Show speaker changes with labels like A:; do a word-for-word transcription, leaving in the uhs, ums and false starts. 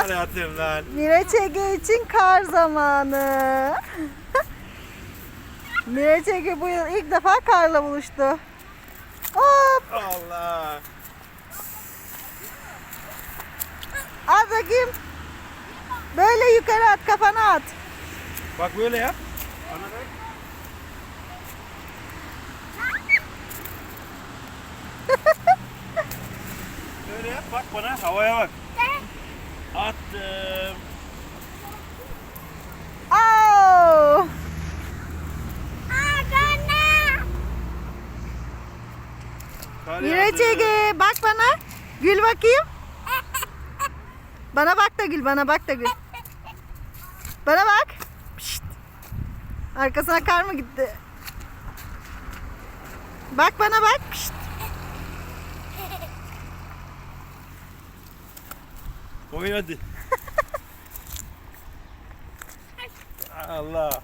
A: Hayatım lan.
B: Miraç Ege için kar zamanı. Miraç Ege bu yıl ilk defa karla buluştu. Hop!
A: Allah.
B: At bakayım. Böyle yukarı at, kafana at.
A: Bak böyle yap. Bana bak. Böyle yap, bak bana, havaya bak. Attım.
B: Oh!
A: Kar
B: Miraç
A: yağdı.
B: Ege bak bana. Gül bakayım. Bana bak da gül, bana bak da gül. Bana bak. Pişt. Arkasına kar mı gitti? Bak bana bak. Pişt.
A: Oyun hadi. Allah.